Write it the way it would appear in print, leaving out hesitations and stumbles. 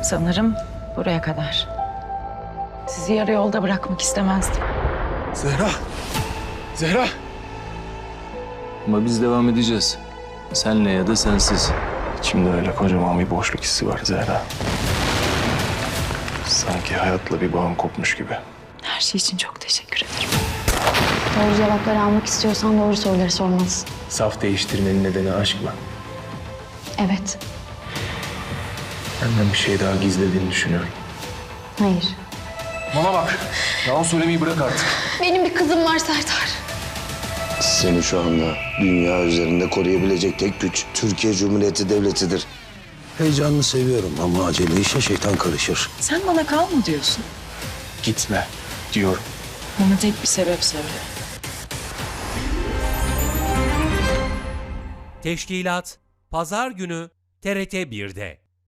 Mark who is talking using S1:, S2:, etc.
S1: Sanırım buraya kadar. Sizi yarı yolda bırakmak istemezdim.
S2: Zehra! Zehra!
S3: Ama biz devam edeceğiz. Senle ya da sensiz.
S2: İçimde öyle kocaman bir boşluk hissi var Zehra. Sanki hayatla bir bağım kopmuş gibi.
S1: Her şey için çok teşekkür ederim.
S4: Doğru cevapları almak istiyorsan doğru soruları sormalısın.
S2: Saf değiştirmenin nedeni aşk mı?
S4: Evet.
S2: Benden bir şey daha gizlediğini düşünüyorum.
S4: Hayır.
S2: Bana bak. Yalan söylemeyi bırak artık.
S4: Benim bir kızım var Serdar.
S5: Seni şu anda dünya üzerinde koruyabilecek tek güç Türkiye Cumhuriyeti Devleti'dir. Heyecanını seviyorum ama acele işe şeytan karışır.
S1: Sen bana kal mı diyorsun?
S2: Gitme diyorum.
S1: Bana tek bir sebep söyle.
S6: Teşkilat Pazar günü TRT 1'de.